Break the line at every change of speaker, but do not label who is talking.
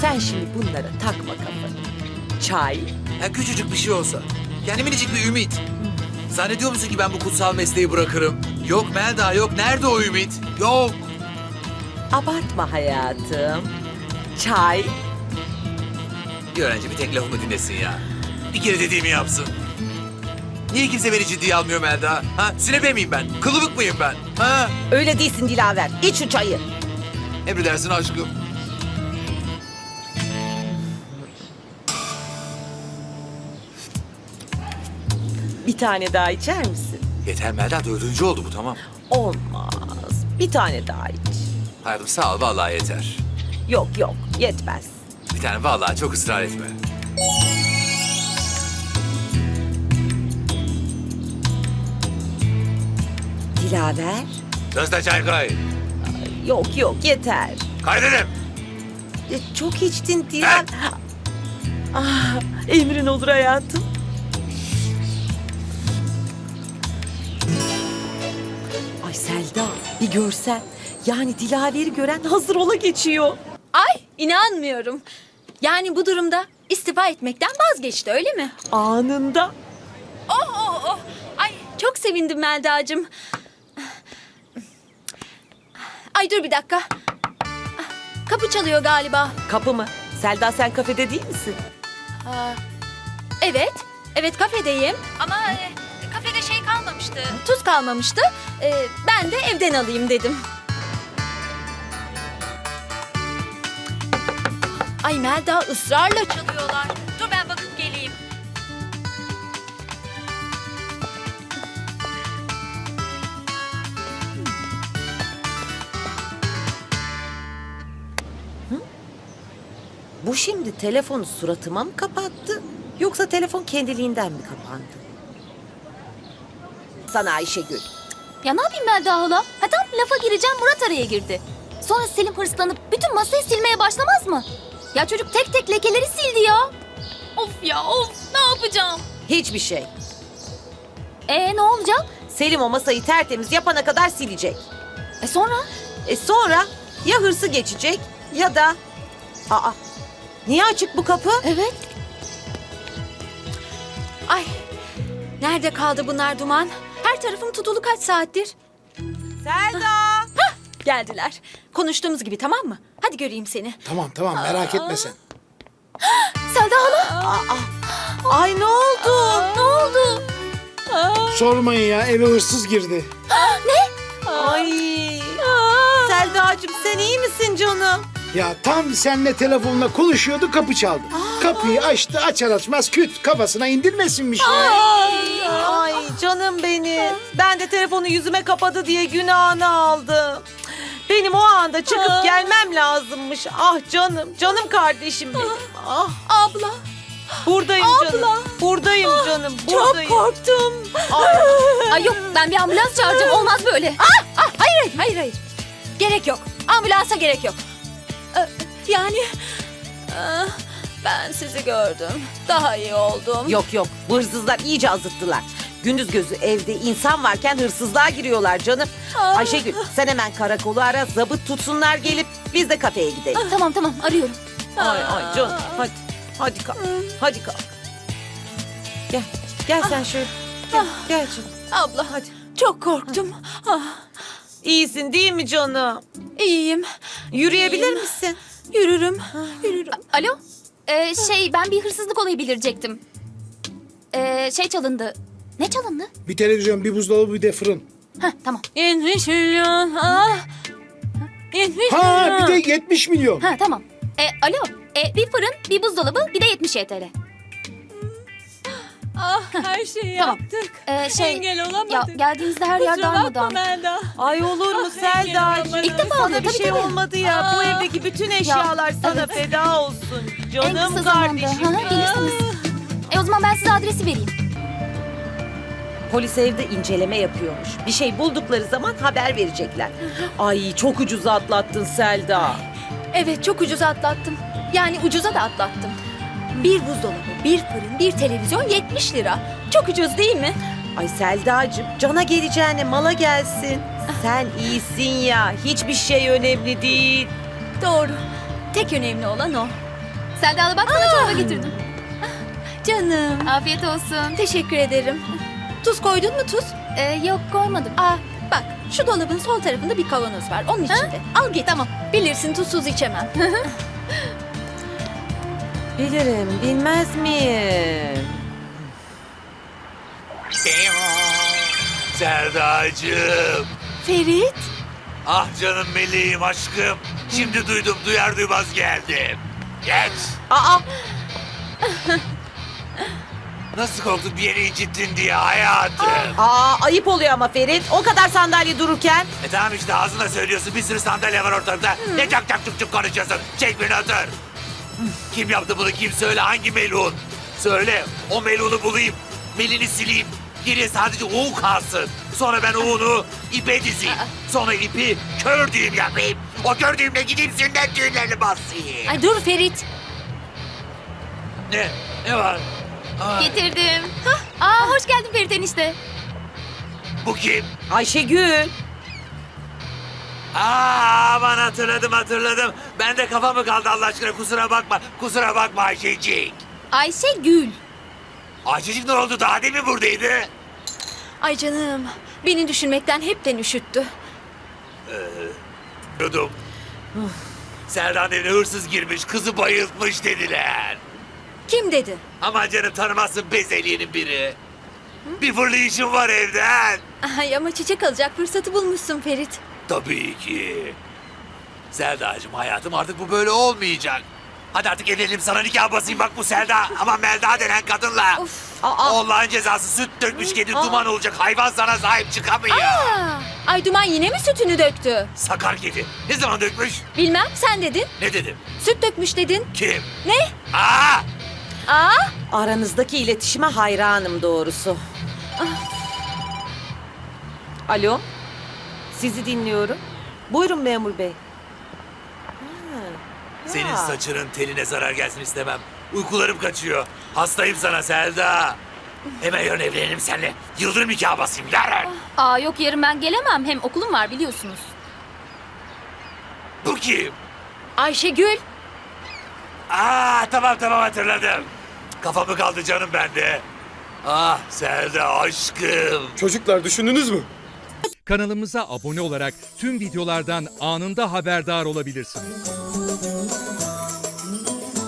Sen şimdi bunlara takma kafanı. Çay.
Ya küçücük bir şey olsa. Yani minicik bir ümit. Zannediyor musun ki ben bu kutsal mesleği bırakırım? Yok Melda yok. Nerede o ümit? Yok.
Abartma hayatım. Çay.
Bir öğrenci bir tek lafımı dinlesin ya. Bir kere dediğimi yapsın. Niye kimse beni ciddiye almıyor Melda? Ha? Sünepe miyim ben? Kılıbık mıyım ben? Ha?
Öyle değilsin Dilaver. İç şu çayı.
Emredersin aşkım.
Bir tane daha içer misin?
Yeter Melda, dördüncü oldu bu, tamam.
Olmaz. Bir tane daha iç.
Hayatım sağ ol, vallahi yeter.
Yok yok yetmez.
Bir tane vallahi, çok ısrar etme.
Dilaver.
Sözde çay koy.
Yok yok yeter.
Kay dedim.
Çok içtin Dilaver. Ah, emrin olur hayatım. Ay Selda bir görsen. Yani Dilaver'i gören hazır ola geçiyor.
Ay inanmıyorum. Yani bu durumda istifa etmekten vazgeçti öyle mi?
Anında.
Oh. Ay çok sevindim Melda'cığım. Ay dur bir dakika. Kapı çalıyor galiba.
Kapı mı? Selda sen kafede değil misin?
Evet. Evet kafedeyim. Ama kafede şey kalmamıştı. Tuz kalmamıştı. Ben de evden alayım dedim. Ay Melda ısrarla çalıyorlar. Dur ben bakıp geleyim.
Bu şimdi telefonu suratıma mı kapattı? Yoksa telefon kendiliğinden mi kapandı? Sana Ayşegül.
Ya ne yapayım Melda hala? Ha tam lafa gireceğim Murat araya girdi. Sonra Selim hırslanıp bütün masayı silmeye başlamaz mı? Ya çocuk tek tek lekeleri sildi ya. Of ya of ne yapacağım?
Hiçbir şey.
Ne olacak?
Selim o masayı tertemiz yapana kadar silecek.
Sonra?
Sonra ya hırsı geçecek ya da... Aa, niye açık bu kapı?
Evet.
Ay nerede kaldı bunlar Duman? Her tarafım tutulu kaç saattir?
Selda!
Geldiler. Konuştuğumuz gibi tamam mı? Hadi göreyim seni.
Tamam merak etme sen.
Selda hala.
Ay ne oldu?
Ne oldu?
Sormayın ya, eve hırsız girdi.
Ay. Selda'cığım sen iyi misin canım?
Ya tam seninle telefonla konuşuyordu, kapı çaldı. Kapıyı açtı, açar açmaz küt kafasına indirmesin bir şey.
Ay canım benim. Ben de telefonu yüzüme kapadı diye günahını aldım. Benim o anda çıkıp gelmem lazımmış. Ah canım kardeşim benim. Ah
Abla
buradayım canım. Buradayım canım.
çok
Buradayım.
korktum.
Ay yok ben bir ambulans çağıracağım olmaz böyle.
Hayır. Gerek yok. Ambulansa gerek yok. Yani ben sizi gördüm. Daha iyi oldum.
Yok bu hırsızlar iyice azıttılar. Gündüz gözü evde insan varken hırsızlığa giriyorlar canım. Ayşegül sen hemen karakolu ara, zabıt tutsunlar gelip biz de kafeye gidelim.
Tamam arıyorum.
Ay canım hadi kalk. Hadi kalk. Gel sen şöyle. Gel canım.
Abla
Hadi.
çok korktum.
İyisin değil mi canım?
İyiyim.
Yürüyebilir misin?
Yürürüm.
Alo? Ben bir hırsızlık olayı bildirecektim. Şey çalındı. Ne çalındı?
Bir televizyon, bir buzdolabı, bir de fırın.
Tamam.
70 milyon. 70
Ha
milyon.
bir de 70 milyon.
Tamam. Alo? Bir fırın, bir buzdolabı, bir de 70 TL.
Her şeyi
Tamam.
yaptık. Engel olamadık.
Ya geldiğinizde her yer
Kusura bakma
darmadağın.
Melda.
Ay olur mu Selda'cığım?
İlk defa
Sana
oluyor,
bir
tabii,
şey
tabii.
olmadı ya. Bu evdeki bütün eşyalar sana
evet.
feda olsun.
En
Canım
kısa zamanda.
kardeşim.
Gelirsiniz. O zaman ben size adresi vereyim.
Polis evde inceleme yapıyormuş. Bir şey buldukları zaman haber verecekler. Ay çok ucuza atlattın Selda.
Evet çok ucuza atlattım. Yani ucuza da atlattım. Bir buzdolabı, bir fırın, bir televizyon 70 lira. Çok ucuz değil mi?
Ay Selda'cığım cana geleceğine mala gelsin. Sen iyisin ya. Hiçbir şey önemli değil.
Doğru. Tek önemli olan o.
Selda hala bak sana çorba getirdim.
Canım.
Afiyet olsun.
Teşekkür ederim. Tuz koydun mu tuz?
Yok koymadım.
Bak şu dolabın sol tarafında bir kavanoz var. Onun içinde. Al git. Tamam. Bilirsin tuzsuz içemem.
Bilirim, bilmez miyim?
Serdacığım.
Ferit.
Ah canım meleğim aşkım. Şimdi duydum duyar duymaz geldim. Geç.
Aa,
Nasıl korktun bir yeri incittin diye hayatım.
ayıp oluyor ama Ferit. O kadar sandalye dururken.
Tamam işte ağzına söylüyorsun bir sürü sandalye var ortada. Ne çak çak çuk çuk konuşuyorsun. Çek beni otur. Kim yaptı bunu kim söyle hangi melun? Söyle o melunu bulayım. Melini sileyim. Geriye sadece uğu kalsın. Sonra ben uğunu ipe dizeyim. Sonra ipi kör düğüm yapayım. O kör düğümle gideyim sünnet düğünlerini basayım.
Ay dur Ferit.
Ne? Ne var? Aa,
Getirdim. Hoş geldin Ferit enişte.
bu kim?
Ayşegül.
Aman hatırladım. Ben de kafa mı kaldı Allah aşkına kusura bakma. Kusura bakma Ayşecik.
Ayşegül.
Ayşecik ne oldu daha demin buradaydı?
Ay canım. Beni düşünmekten hepten üşüttü.
Yudum. Serdan evine hırsız girmiş kızı bayıltmış dediler.
Kim dedi?
Aman canım tanımazsın bezeliyenin biri. Bir fırlayışım var evden.
Ay ama çiçek alacak fırsatı bulmuşsun Ferit.
Tabii ki. Selda'cığım hayatım artık bu böyle olmayacak. Hadi artık evlenelim sana nikah basayım bak bu Selda ama Melda denen kadınla. Allah'ın cezası süt dökmüş kedi duman olacak hayvan sana sahip çıkamıyor.
Ay Duman yine mi sütünü döktü?
Sakar kedi. Ne zaman dökmüş?
Bilmem sen dedin.
Ne dedim?
Süt dökmüş dedin.
Kim?
Ne?
Aa!
Aranızdaki iletişime hayranım doğrusu. Alo. Sizi dinliyorum. Buyurun memur bey.
Senin
Ya.
saçının teline zarar gelsin istemem. Uykularım kaçıyor. Hastayım sana Selda. Hemen yarın evlenelim seninle. Yıldırım nikahı basayım yarın.
Yok yarın ben gelemem. Hem okulum var biliyorsunuz.
Bu kim?
Ayşegül.
Tamam hatırladım. Kafamı kaldı canım bende. Ah Selda aşkım.
Çocuklar düşündünüz mü?
Kanalımıza abone olarak tüm videolardan anında haberdar olabilirsiniz.